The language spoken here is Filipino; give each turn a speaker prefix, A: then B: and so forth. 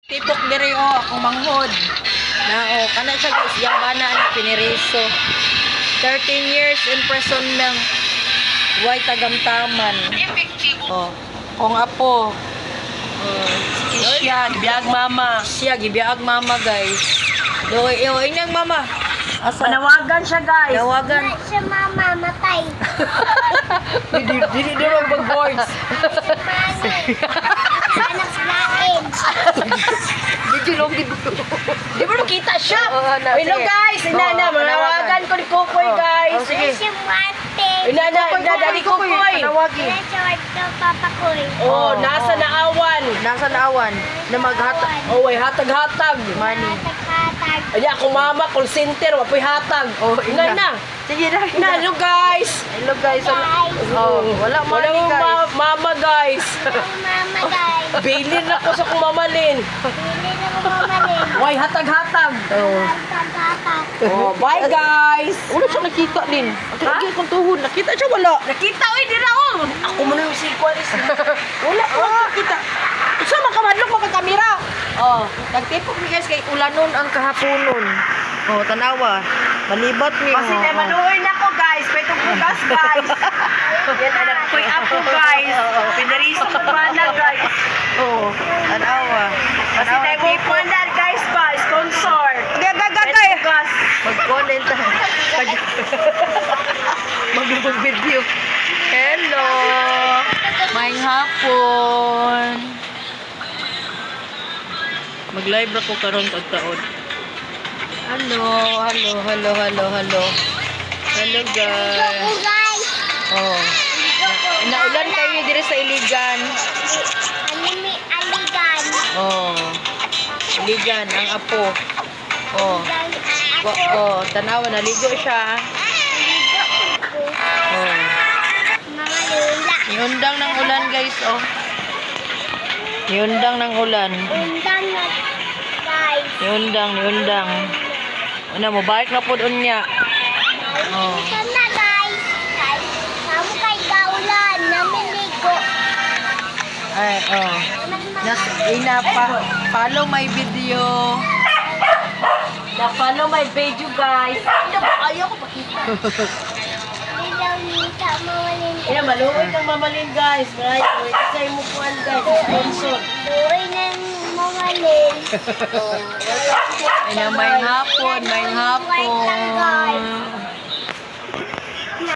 A: Tipok diri akong manghod. Na kana siya guys, yang bana ni piniriso. 13 years imprisonment. Way tagamtaman. Kung apo. Siya gibiag mama. Siya gibiag mama guys. Doy inyang mama. Asa? Panawagan siya guys. Panawagan.
B: Siya mama, matay.
A: Dili mag-voice.
B: Anak lain.
A: Di ba nakita siya? Hello guys, inana, manawagan ko ni Kukoy guys. Sige.
B: Siya Martin.
A: Inana, dali Kukoy. Tanawagi.
B: Siya Martin, Papa Koy.
A: Oh, nasa naawan. Nasa naawan. Na maghatag. Oh, way hatag-hatag. Money.
B: Hatag-hatag.
A: Ay, ako mama, call center, wapoy hatag. Oh, inay na. Sige na. Hello guys. Hello guys. Oh, wala money guys. Mama guys.
B: Mama, guys.
A: Bilin na ko sa kong mamalin.
B: Hindi na mo mamalin.
A: Way hatag-hatag. Oh.
B: Hatag-hatag.
A: Oh, bye guys. Wala siya nakita din. Lagi akong tuhod. Nakita siya wala. Nakita oy dira oh. Ako mo na yung sequence. Wala nakita. Isa man kamadlok magka-camera. Oh, nagtipok ni guys kay ulanon ang kahaponon. Oh, tanawa. Malibot ni. Kasi na manuoy na ko guys. Petong bugas guys. Yan anak ko'y apo guys. Pinariso ko na guys. Oh, tanawa. Kasi na mo na guys pa sponsor. Gagagagay. Mag-comment tayo. Mag-video. Hello. Maayong hapon. Mag-live ako karon pagtaon. Hello. Hello guys.
B: Guys.
A: Oh. Naulan kayo dire sa Iligan.
B: Anime aligan.
A: Oh. Iligan ang apo. Oh.
B: Ako.
A: Oh, tanawa naligo siya. Oh.
B: Mga lula.
A: Iundang ng ulan guys, oh. Iundang ng ulan.
B: Undang na guys.
A: Iundang. Ano mo, balik na po doon niya. Oh.
B: Sana guys. Kamu kay gaulan. Namiligo.
A: Ay, oh. Follow my video. Na-follow my video guys. Ayaw ko pakita.
B: Ilaw nita mawalin.
A: Ina, maluoy kang mamalin guys. Right? Isa mo kuhan guys. Sponsor.
B: Buhay na mawalin.
A: Ina, may hapon.
B: White lang guys.